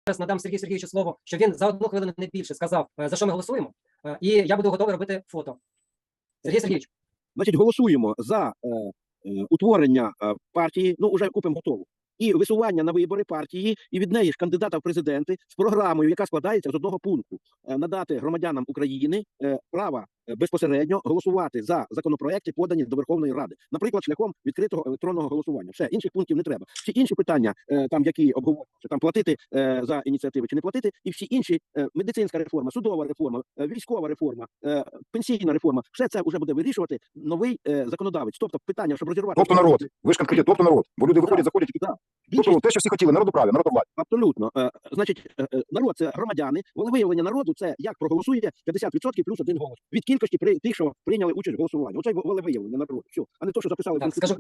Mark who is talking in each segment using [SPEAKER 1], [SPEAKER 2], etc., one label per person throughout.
[SPEAKER 1] надам Сергію Сергійовичу слово, що він за 1 хвилину не більше сказав, за що ми голосуємо, і я буду готовий робити фото. Сергій Сергійович.
[SPEAKER 2] Значить, голосуємо за утворення партії, ну, вже купимо готову, і висування на вибори партії, і від неї ж кандидата в президенти з програмою, яка складається з одного пункту. Надати громадянам України право безпосередньо голосувати за законопроекти, подані до Верховної Ради. Наприклад, шляхом відкритого електронного голосування. Все, інших пунктів не треба. Всі інші питання, там, які обговорюються, там платити за ініціативи чи не платити, і всі інші, медицинська реформа, судова реформа, військова реформа, пенсійна реформа, все це вже буде вирішувати новий законодавець. Тобто питання, щоб розірвати...
[SPEAKER 3] Тобто народ. Ви ж конкретно, тобто народ. Бо люди виходять, заходять і... Тобто те, що всі хотіли, народоправ'я, народовладдя.
[SPEAKER 2] Абсолютно. Значить, народ – це громадяни. Волевиявлення народу – це як проголосує 50% плюс 1 голос. Від кількості тих, що прийняли участь в голосуванні. Оце волевиявлення народу. Все. А не то, що записали.
[SPEAKER 1] Так, скажу,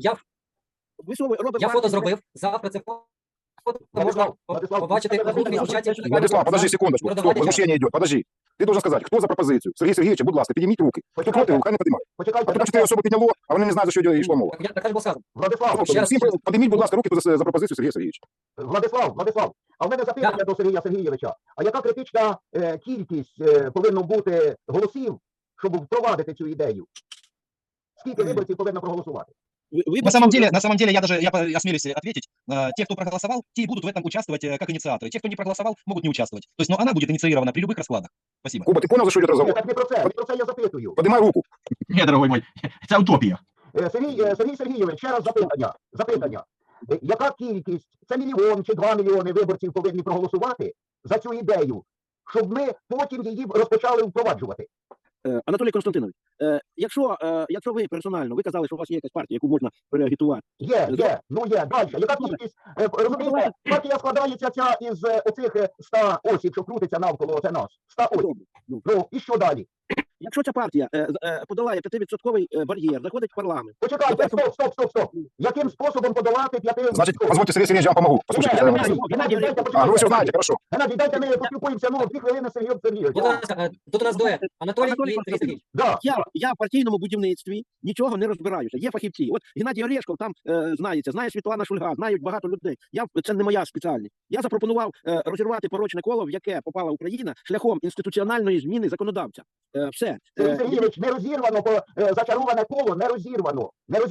[SPEAKER 1] я фото зробив. Завтра це фото можна побачити у групі в чаті.
[SPEAKER 3] Владислав, подожди секундочку. Стоп, возмущение идет. Подожди. Ты должен сказать, кто за пропозицию? Сергей Сергеевич, будь ласка, підніміть руки. Хто проти, хай не піднімає. А потім 4 особи підняло, а вони не знають, за що йшло мова.
[SPEAKER 1] Так було сказано.
[SPEAKER 3] Владислав, підніміть, будь ласка, руки за пропозицію Сергія Сергійовича.
[SPEAKER 4] Владислав, а в мене запитання до Сергія Сергійовича. А яка критична кількість повинна бути голосів, щоб впровадити цю ідею? Скільки виборців повинно проголосувати?
[SPEAKER 5] На самом деле, я осмелюсь ответить, те, кто проголосовал, те и будут в этом участвовать как инициаторы. Те, кто не проголосовал, могут не участвовать. То есть, но она будет инициирована при любых раскладах. Спасибо.
[SPEAKER 3] Куба, ты понял, за что идет разговор?
[SPEAKER 4] Так не про це я запитую.
[SPEAKER 3] Поднимай руку.
[SPEAKER 5] Ні, дорогой мой, це утопія.
[SPEAKER 4] Сергій Сергійович, ще раз запитання. Яка кількість, це 1 мільйон чи 2 мільйони виборців повинні проголосувати за цю ідею, щоб ми потім її розпочали впроваджувати?
[SPEAKER 2] Анатолій Константинович, якщо ви персонально, ви казали, що у вас є якась партія, яку можна переагітувати.
[SPEAKER 4] Є. Далі. Яка кількість, розумієте, партія складається ця із оцих 100 осіб, що крутиться навколо, це нас. 100 осіб. Ну, і що далі?
[SPEAKER 2] Якщо ця партія подолає 5% бар'єр, заходить в парламент.
[SPEAKER 4] Почекайте, стоп. Яким способом подолати 5%?
[SPEAKER 3] Значит, позвольте, Сергей Сергеевич, я вам помогу. Послушайте, я вам объясню. Вы все знаете, хорошо.
[SPEAKER 4] Геннадій, дайте ми поспілкуємося, 2 хвилини з Сергієм Сергійовичем.
[SPEAKER 1] Тут у нас дует. Анатолій і Сергій Сергійович.
[SPEAKER 4] Да.
[SPEAKER 2] Я в партійному будівництві нічого не розбираюся. Є фахівці. От Геннадій Орешков там знається, знає Світлана Шульга, знають багато людей. Це не моя спеціальність. Я запропонував розірвати порочне коло, в яке попала Україна, шляхом інституціональної зміни законодавця. Все.
[SPEAKER 4] Сергій Сергійович, не розірвано, зачароване коло, не розірвано.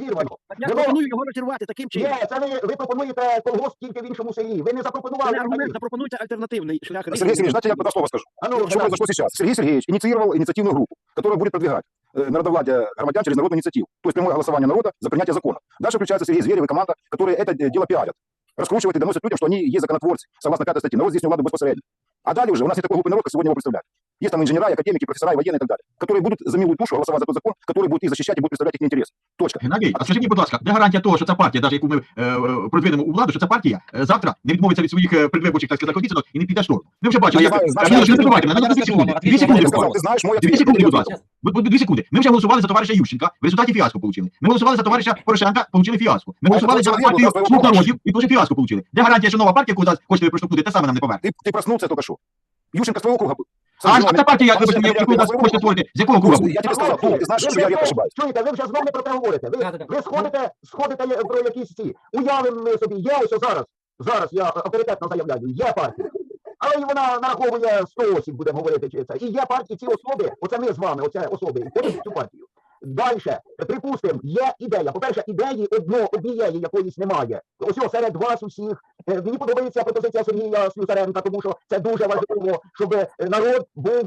[SPEAKER 2] Я пропоную його розірвати таким чином.
[SPEAKER 4] Ні, це ви пропонуєте колгосп тільки в іншому селі. Ви не запропонували.
[SPEAKER 2] Запропонуйте альтернативний шлях.
[SPEAKER 3] Сергей Сергеевич, знаете, я слово скажу. Что произошло сейчас? Сергей Сергеевич инициировал инициативную группу, которая будет продвигать народовладие громадян через народную инициативу. То есть прямое голосование народа за принятие закона. Дальше включается Сергей Зверев и команда, которые это дело пиарят. Раскручивают и доносят людям, что они есть законотворцы, согласно 5 статье. Народ здесь не владу безпосредньо. А далее уже у нас не такой глупый народ, как сегодня его представляют. Есть там инженера, академики, профессора, военные и так далее, которые будут за милую душу голосовать за тот закон, который будет их защищать и будет представлять их интересы. Точка.
[SPEAKER 5] Геннадій, а скажіть мені, будь ласка, де гарантія того, що ця партія, навіть яку ми продвинемо у владу, що ця партія завтра не відмовиться від своїх предвиборчих, так сказати, обіцянок і не піде в сторону? Ми вже бачимо, як... Не забувайте, на 2 секунди. 2 секунди,
[SPEAKER 3] Ты знаешь мой ответ.
[SPEAKER 5] 2 секунди, будь ласка. 2 секунди. Ми вже голосували за товариша Ющенка, в результаті фіаско получили. Ми голосували за товариша Порошенка, получили фіаско. Ми голосували за партію «Слуг народів» і теж фіаско получили. Де гарантія, що нова партія, яку зараз хочете проштовхнути, те саме нам не поверне?
[SPEAKER 3] Ты проснулся только что. Ющенко с твоего круга был.
[SPEAKER 5] А ця партія, вибачте, яку ви хочете створити, з якого круга?
[SPEAKER 3] Я тебе сказал, ты знаешь, что я редко ошибаюсь.
[SPEAKER 4] Чуєте, ви вже знову не про це говорите. Ви сходите про якісь ці. Уявимо ми собі, є ось зараз я авторитетно заявляю, є партія. Але і вона нараховує 100 осіб, будемо говорити, чи це. І є партії, ці особи, оце ми з вами, оце особи, входять в цю партію. Дальше, припустимо, є ідея. По-перше, ідеї однієї якоїсь немає. Ось серед вас усіх. Мені подобається пропозиція Сергія Слюсаренка, тому що це дуже важливо, щоб народ був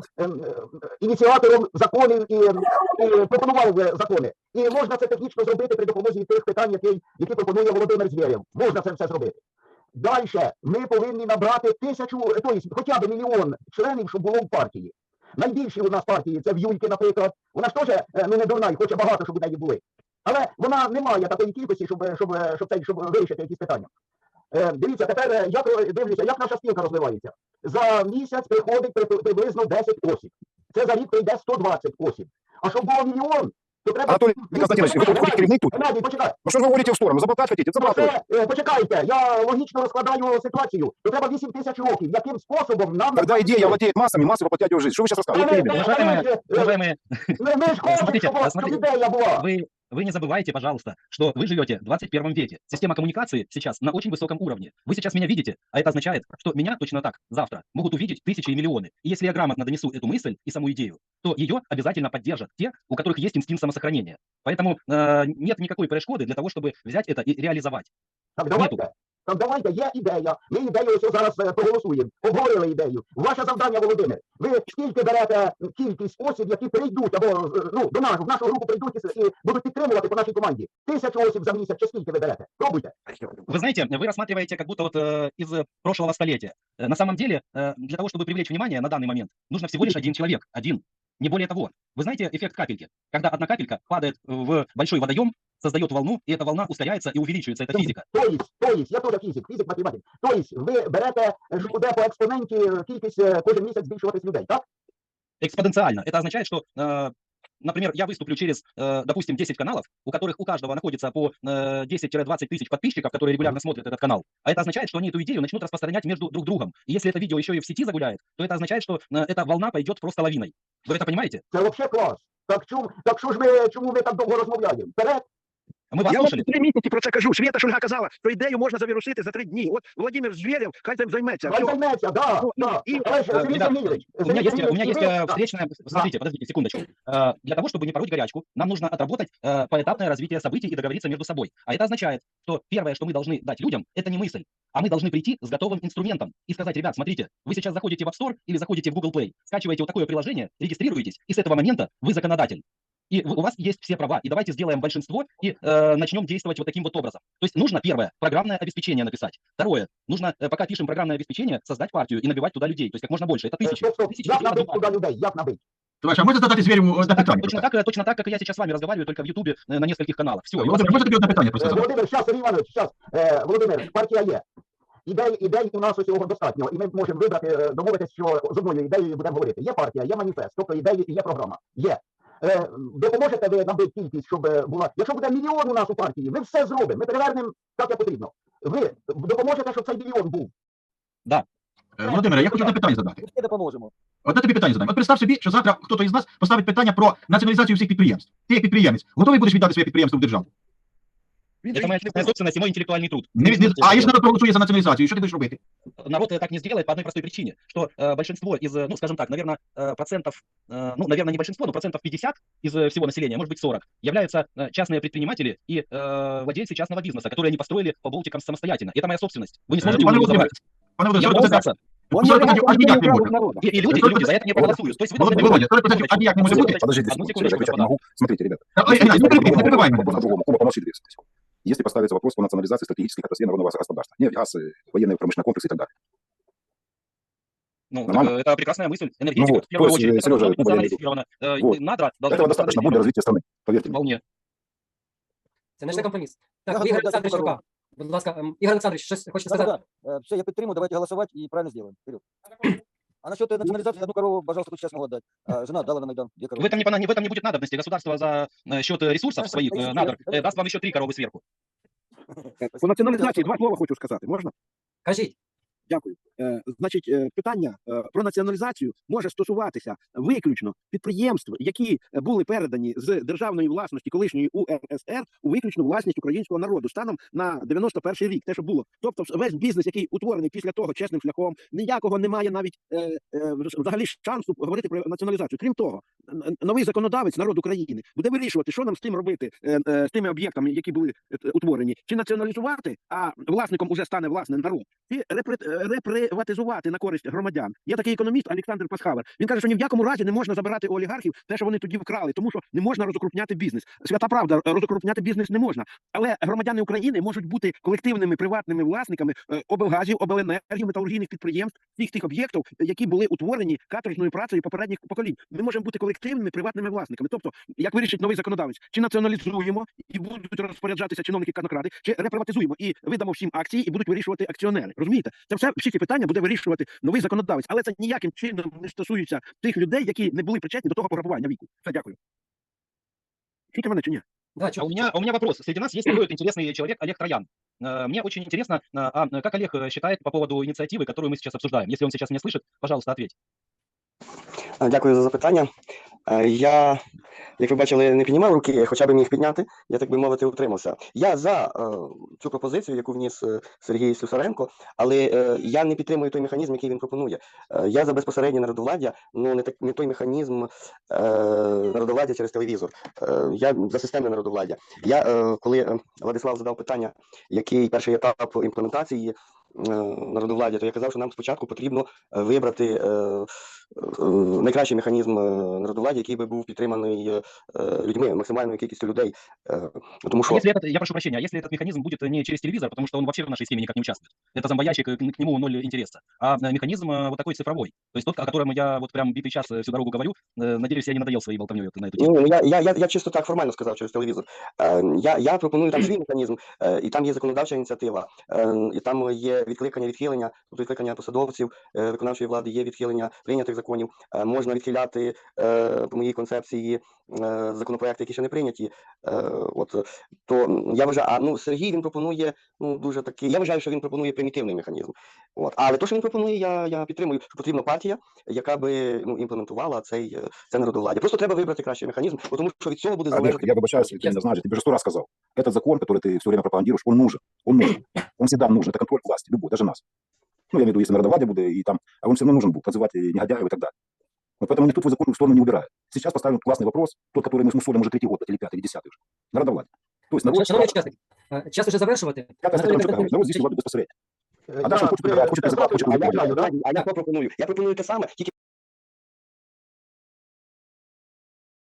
[SPEAKER 4] ініціатором законів і пропонував закони. І можна це технічно зробити при допомозі тих питань, які пропонує Володимир Звєрєв. Можна це все зробити. Дальше, ми повинні набрати 1000, тобто хоча б 1 мільйон членів, щоб було в партії. Найбільші у нас партії, це в Юльки, наприклад. Вона ж теж не дурна і хоче багато, щоб у неї були. Але вона не має такої кількості, щоб вирішити якісь питання. Дивіться, тепер дивлюся, як наша спілка розвивається. За місяць приходить приблизно 10 осіб. Це за рік прийде 120 осіб. А щоб було 1 мільйон, то треба...
[SPEAKER 3] Анатолий Константинович, вы тут керівник тут?
[SPEAKER 4] Геннадій, почекай.
[SPEAKER 3] Ну что же вы говорите в сторону? Заболтать хотите? Заболтать.
[SPEAKER 4] Почекайте, я логічно розкладаю ситуацію. То треба 8000 років. Яким способом нам...
[SPEAKER 3] Когда идея владеет массами, массы воплотят ее в жизнь. Что вы сейчас рассказываете?
[SPEAKER 4] Ми ж хочемо, щоб ідея була.
[SPEAKER 6] вы не забывайте, пожалуйста, что вы живете в 21 веке. Система коммуникации сейчас на очень высоком уровне. Вы сейчас меня видите, а это означает, что меня точно так завтра могут увидеть тысячи и миллионы. И если я грамотно донесу эту мысль и саму идею, то ее обязательно поддержат те, у которых есть инстинкт самосохранения. Поэтому нет никакой перешкоды для того, чтобы взять это и реализовать.
[SPEAKER 4] Так давайте. Так давайте, є ідея. Ми ідею ось зараз проголосуємо. Обговорили ідею. Ваше завдання, Володимир. Ви скільки берете кількість осіб, які прийдуть, або ну, до нас, в нашу групу прийдуть і будуть підтримувати по нашій команді? 1000 осіб за місяць, чи скільки ви берете? Пробуйте.
[SPEAKER 6] Вы знаете, вы рассматриваете как будто вот из прошлого столетия. На самом деле, для того, чтобы привлечь внимание на данный момент, нужно всего лишь один человек, один. Не более того. Вы знаете эффект капельки? Когда одна капелька падает в большой водоем, создает волну, и эта волна ускоряется и увеличивается. Это физика.
[SPEAKER 4] Тобто, я теж фізик, математик. Тобто, ви берете, що буде по експоненті кількість кожен місяць збільшуватись людей, так?
[SPEAKER 6] Экспоненциально. Это означает, что, например, я выступлю через, допустим, 10 каналов, у которых у каждого находится по 10-20 тысяч подписчиков, которые регулярно смотрят этот канал. А это означает, что они эту идею начнут распространять между друг другом. И если это видео еще и в сети загуляет, то это означает, что эта волна пойдет просто лавиной. Вы это понимаете?
[SPEAKER 4] Це взагалі клас. Так що ж ми, чому ми так довго розмовляємо? Вперед!
[SPEAKER 6] Мы вас
[SPEAKER 2] Я вам
[SPEAKER 6] слушали.
[SPEAKER 2] 3 місяці про це кажу. Свята Шульга казала, що ідею можна завірусити за 3 дні. От Володимир Звєрєв, хай цим займеться.
[SPEAKER 4] Хай
[SPEAKER 2] Всьо.
[SPEAKER 4] займеться, да.
[SPEAKER 2] И,
[SPEAKER 4] Але ж, Сергій
[SPEAKER 6] ребят,
[SPEAKER 4] Сергійович,
[SPEAKER 6] У меня есть,
[SPEAKER 4] да.
[SPEAKER 6] встречная... Смотрите, подождите секундочку. Для того, чтобы не пороть горячку, нам нужно отработать поэтапное развитие событий и договориться между собой. А это означает, что первое, что мы должны дать людям, это не мысль, а мы должны прийти с готовым инструментом и сказать: ребят, смотрите, вы сейчас заходите в App Store или заходите в Google Play, скачиваете вот такое приложение, регистрируетесь, и с этого момента вы законодатель. И у вас есть все права. И давайте сделаем большинство и начнем действовать вот таким вот образом. То есть нужно, первое, программное обеспечение написать. Второе, нужно, пока пишем программное обеспечение, создать партию и набивать туда людей. То есть как можно больше. Это тысячи.
[SPEAKER 4] Стоп.
[SPEAKER 6] Тысячи
[SPEAKER 4] Як
[SPEAKER 6] людей
[SPEAKER 4] набити
[SPEAKER 6] надо
[SPEAKER 4] туди людей? Як набити?
[SPEAKER 5] Товарищ, а можно задать Звереву одне питання?
[SPEAKER 6] точно так, как и я сейчас с вами разговариваю, только в Ютубе на нескольких каналах. Все.
[SPEAKER 5] Володимир, можете тобі одне питання просто задати?
[SPEAKER 4] Володимир, щас, Сергій Іванович, щас. Володимир, партія є. Ідей у нас усього достатньо, і ми можемо вибрати, домовитися, що з одною ідеєю будемо говорити. Є партія, є маніфест, тобто ідеї і є програма. Є. Допоможете ви набити кількість, щоб була... Якщо буде мільйон у нас у партії, ми все зробимо, ми перевернемо так, як потрібно. Ви допоможете, щоб цей мільйон був?
[SPEAKER 5] Володимире, я хочу одне питання задати.
[SPEAKER 1] Ми допоможемо.
[SPEAKER 5] Одне тобі питання задам. От представ собі, що завтра хтось із нас поставить питання про націоналізацію всіх підприємств. Ти як підприємець, готовий будеш віддати своє підприємство в державу?
[SPEAKER 6] Это моя собственность и мой интеллектуальный труд.
[SPEAKER 5] А якщо народ проголосує за націоналізацію, що ти будеш робити?
[SPEAKER 6] Народ так не сделает по одной простой причине, что большинство из, ну, скажем так, наверное, процентов, ну, наверное, не большинство, но процентов 50 из всего населения, может быть 40, являются частные предприниматели и владельцы частного бизнеса, которые они построили по болтикам самостоятельно. Это моя собственность. Вы не сможете у
[SPEAKER 5] Пане
[SPEAKER 6] меня забрать.
[SPEAKER 5] Володимире,
[SPEAKER 6] Я могу сдаться.
[SPEAKER 5] аж ніяк не може.
[SPEAKER 6] И люди за это не проголосуют. То есть вы должны...
[SPEAKER 5] Володя, 40% аж ніяк не може бути.
[SPEAKER 3] Подождите,
[SPEAKER 6] Одну
[SPEAKER 3] секунду, Сережа,
[SPEAKER 6] секундочку,
[SPEAKER 3] отвечать не могу. Смотрите, ребята.
[SPEAKER 5] Не перебивай мене.
[SPEAKER 3] По-другому. Куба, помолчи 2 секунды. Если поставится вопрос по национализации стратегических отраслей народного государства, нефть, газ, военные промышленные комплексы и так далее.
[SPEAKER 6] Ну,
[SPEAKER 3] Нормально?
[SPEAKER 6] это прекрасная мысль. Энергетика,
[SPEAKER 3] вот,
[SPEAKER 6] в первую
[SPEAKER 3] то есть,
[SPEAKER 6] очередь, это
[SPEAKER 3] Сережа,
[SPEAKER 6] должно быть
[SPEAKER 3] Куба, я
[SPEAKER 6] национализировано.
[SPEAKER 3] Вот.
[SPEAKER 6] Надра должна
[SPEAKER 3] Этого
[SPEAKER 6] быть
[SPEAKER 3] достаточно будет для развития страны, поверьте мне.
[SPEAKER 6] вполне.
[SPEAKER 1] Це не компроміс.
[SPEAKER 7] Я
[SPEAKER 1] Так,
[SPEAKER 7] готовий
[SPEAKER 1] Ігор
[SPEAKER 7] дати
[SPEAKER 1] Олександрович
[SPEAKER 7] пару.
[SPEAKER 1] Рука. Будь ласка, Ігор Олександрович, щось хочете сказати?
[SPEAKER 7] Да. Все, я підтримую, давайте голосовать и правильно сделаем. Вперед. А насчет национализации, одну корову, пожалуйста, тут сейчас могу отдать. Жена дала на Майдан 2
[SPEAKER 6] В
[SPEAKER 7] коровы.
[SPEAKER 6] этом не будет надобности. Государство за счет ресурсов своих надр даст вам еще 3 коровы сверху.
[SPEAKER 2] По націоналізації 2 слова хочу сказати. Можна?
[SPEAKER 1] Кажіть.
[SPEAKER 2] Дякую. Значить, питання про націоналізацію може стосуватися виключно підприємств, які були передані з державної власності колишньої УРСР у виключну власність українського народу станом на 91-й рік. Те, що було. Тобто весь бізнес, який утворений після того чесним шляхом, ніякого немає навіть взагалі шансу говорити про націоналізацію. Крім того, новий законодавець, народ України, буде вирішувати, що нам з тим робити, з тими об'єктами, які були утворені. Чи націоналізувати, а власником уже стане власне народ, чи реприватизувати на користь громадян. Є такий економіст Олександр Пасхавер. Він каже, що ні в якому разі не можна забирати у олігархів те, що вони тоді вкрали, тому що не можна розокрупняти бізнес. Свята правда, розокрупняти бізнес не можна. Але громадяни України можуть бути колективними приватними власниками облгазів, обленергів, металургійних підприємств, всіх тих об'єктів, які були утворені каторжною працею попередніх поколінь. Ми можемо бути колективними приватними власниками. Тобто, як вирішить новий законодавець, чи націоналізуємо і будуть розпоряджатися чиновники казнокради, чи реприватизуємо і видамо всім акції і будуть вирішувати акціонери. Розумієте? Це всі ці питання буде вирішувати новий законодавець, але це ніяким чином не стосується тих людей, які не були причетні до того пограбування віку. Все, дякую. Чуєте мене чи ні?
[SPEAKER 1] Да,
[SPEAKER 6] У меня вопрос. Среди нас есть такой вот интересный человек Олег Троян. Мне очень интересно, как Олег считает по поводу инициативы, которую мы сейчас обсуждаем. Если он сейчас меня слышит, пожалуйста, ответь.
[SPEAKER 8] Дякую за запитання. Я, як ви бачили, не піднімав руки, хоча б міг підняти, я, так би мовити, утримався. Я за цю пропозицію, яку вніс Сергій Слюсаренко, але я не підтримую той механізм, який він пропонує. Я за безпосереднє народовладдя, ну не той механізм народовладдя через телевізор. Я за системне народовладдя. Коли Владислав задав питання, який перший етап імплементації народовладдя, то я казав, що нам спочатку потрібно вибрати найкращий механізм народовладдя, який би був підтриманий людьми, максимальною кількістю людей. Тому що...
[SPEAKER 6] Если это, я прошу прощения, а если этот механизм будет не через телевизор, потому что он вообще в нашей схеме никак не участвует, это зомбоящик, к нему ноль интереса, а механизм вот такой цифровой, то есть тот, о котором я вот прям битый час всю дорогу говорю, надеюсь, я не надоел своей болтовней на эту тему.
[SPEAKER 8] Ну, я чисто так формально сказав через телевізор. Я пропоную там свій механізм, і там є законодавча ініціатива, і там є відкликання, відхилення, тобто відкликання посадовців виконавчої влади, є відхилення прийнятих законів. Можна відхиляти по моїй концепції законопроекти, які ще не прийняті. То я вважаю, Сергій він пропонує дуже такий. Я вважаю, що він пропонує примітивний механізм. Але то, що він пропонує, я підтримую, що потрібна партія, яка би імплементувала це народовладдя. Просто треба вибрати кращий механізм, тому що від цього буде
[SPEAKER 3] Олег,
[SPEAKER 8] залежати.
[SPEAKER 3] я вибачаюсь, ты не знаешь, я тебе же 100 раз сказал. Этот закон, который ты все время пропагандируешь, он нужен. Он нужен. Он всегда нужен. Это контроль власти, любой, даже нас. Ну, я имею в виду, если народовладие будет, и там, а он все равно нужен будет, подзывать негодяев и так далее. Вот поэтому никто твой закон в сторону не убирает. Сейчас поставим классный вопрос, тот, который мы смусолим уже 3-й год, или 5-й, или 10-й уже. Народовладие. То есть народ...
[SPEAKER 1] Шановні учасники, час уже завершувати.
[SPEAKER 3] Пятая статья ЧК. Народ здесь владу безпосередньо. А дальше хочет выбирать, хочет призывать, хочет
[SPEAKER 8] А я пропоную те саме, тільки